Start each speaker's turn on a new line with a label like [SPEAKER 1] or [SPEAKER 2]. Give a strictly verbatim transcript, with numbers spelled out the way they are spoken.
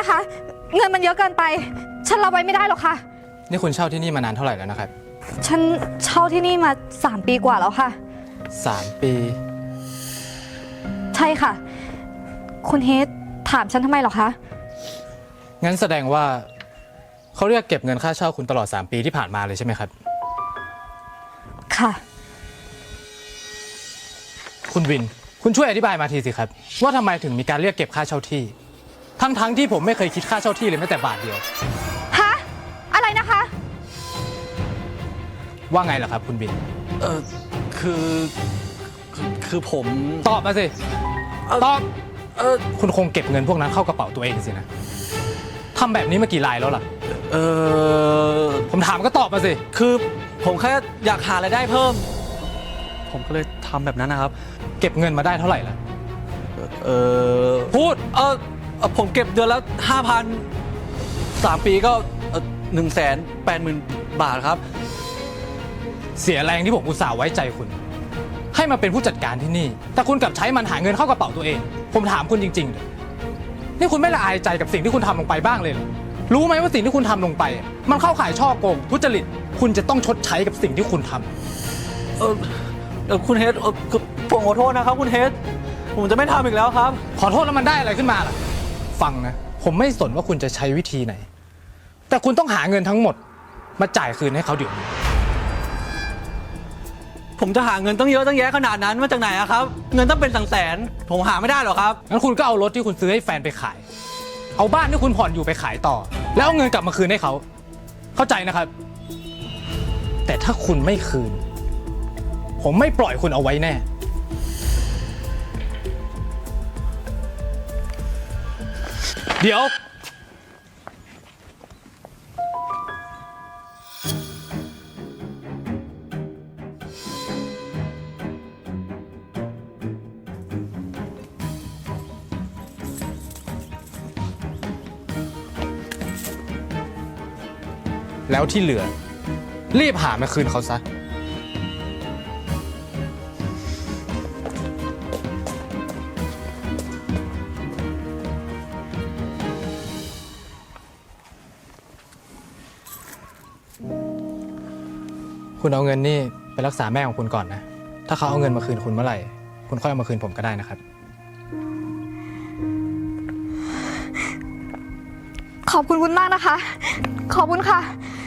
[SPEAKER 1] คะเงินมันเยอะเกินไปฉันรับไว้ไม่ได้หรอกค่ะ
[SPEAKER 2] นี่คุณเช่าที่นี่มานานเท่าไหร่แล้วนะครับ
[SPEAKER 1] ฉันเช่าที่นี่มาสามปีกว่าแล้วค่ะ
[SPEAKER 2] สามปี
[SPEAKER 1] ใช่ค่ะคุณเฮดถามฉันทำไมหรอคะ
[SPEAKER 2] งั้นแสดงว่าเขาเรียกเก็บเงินค่าเช่าคุณตลอดสามปีที่ผ่านมาเลยใช่ไหมครับ
[SPEAKER 1] ค่ะ
[SPEAKER 2] คุณวินคุณช่วยอธิบายมาทีสิครับว่าทำไมถึงมีการเรียกเก็บค่าเช่าที่ทั้งๆที่ผมไม่เคยคิดค่าเช่าที่เลยแม้แต่บาทเดียว
[SPEAKER 1] ฮะอะไรนะคะ
[SPEAKER 2] ว่าไงล่ะครับคุณวิน
[SPEAKER 3] เออคือคือผม
[SPEAKER 2] ตอบมาสิตอบเออคุณคงเก็บเงินพวกนั้นเข้ากระเป๋าตัวเองสินะทำแบบนี้มากี่รายแล้วล่ะ
[SPEAKER 3] เออ
[SPEAKER 2] ผมถามก็ตอบมาสิ
[SPEAKER 3] คือผมแค่อยากหารายได้เพิ่มผมก็เลยทำแบบนั้นนะครับ
[SPEAKER 2] เก็บเงินมาได้เท่าไหร่ล่ะ
[SPEAKER 3] เออ
[SPEAKER 2] พูด
[SPEAKER 3] เออผมเก็บเดือนละห้าพันสามปีก็หนึ่งแสนแปดหมื่นบาทครับ
[SPEAKER 2] เสียแรงที่ผมอุตส่าห์ไว้ใจคุณให้มาเป็นผู้จัดการที่นี่แต่คุณกลับใช้มันหาเงินเข้ากระเป๋าตัวเองผมถามคุณจริงๆเลยนี่คุณไม่ละอายใจกับสิ่งที่คุณทำลงไปบ้างเลยเหรอรู้ไหมว่าสิ่งที่คุณทำลงไปมันเข้าข่ายช่อโกงทุจริตคุณจะต้องชดใช้กับสิ่งที่คุณทำ
[SPEAKER 3] เออคุณเฮดผมขอโทษนะครับคุณเฮดผมจะไม่ทำอีกแล้วครับ
[SPEAKER 2] ขอโทษแล้วมันได้อะไรขึ้นมาล่ะฟังนะผมไม่สนว่าคุณจะใช้วิธีไหนแต่คุณต้องหาเงินทั้งหมดมาจ่ายคืนให้เขาเดี๋ยวนี้
[SPEAKER 3] ผมจะหาเงินตั้งเยอะตั้งแยะขนาดนั้นมาจากไหนอะครับเงินต้องเป็นแสนๆผมหาไม่ได้หรอกครับ
[SPEAKER 2] งั้นคุณก็เอารถที่คุณซื้อให้แฟนไปขายเอาบ้านที่คุณผ่อนอยู่ไปขายต่อแล้วเอาเงินกลับมาคืนให้เขาเข้าใจนะครับแต่ถ้าคุณไม่คืนผมไม่ปล่อยคุณเอาไว้แน่เดี๋ยวแล้วที่เหลือรีบหามาคืนเขาซะคุณเอาเงินนี่ไปรักษาแม่ของคุณก่อนนะถ้าเขาเอาเงินมาคืนคุณเมื่อไหร่คุณค่อยเอามาคืนผมก็ได้นะครับ
[SPEAKER 1] ขอบคุณคุณมากนะคะขอบคุณค่ะ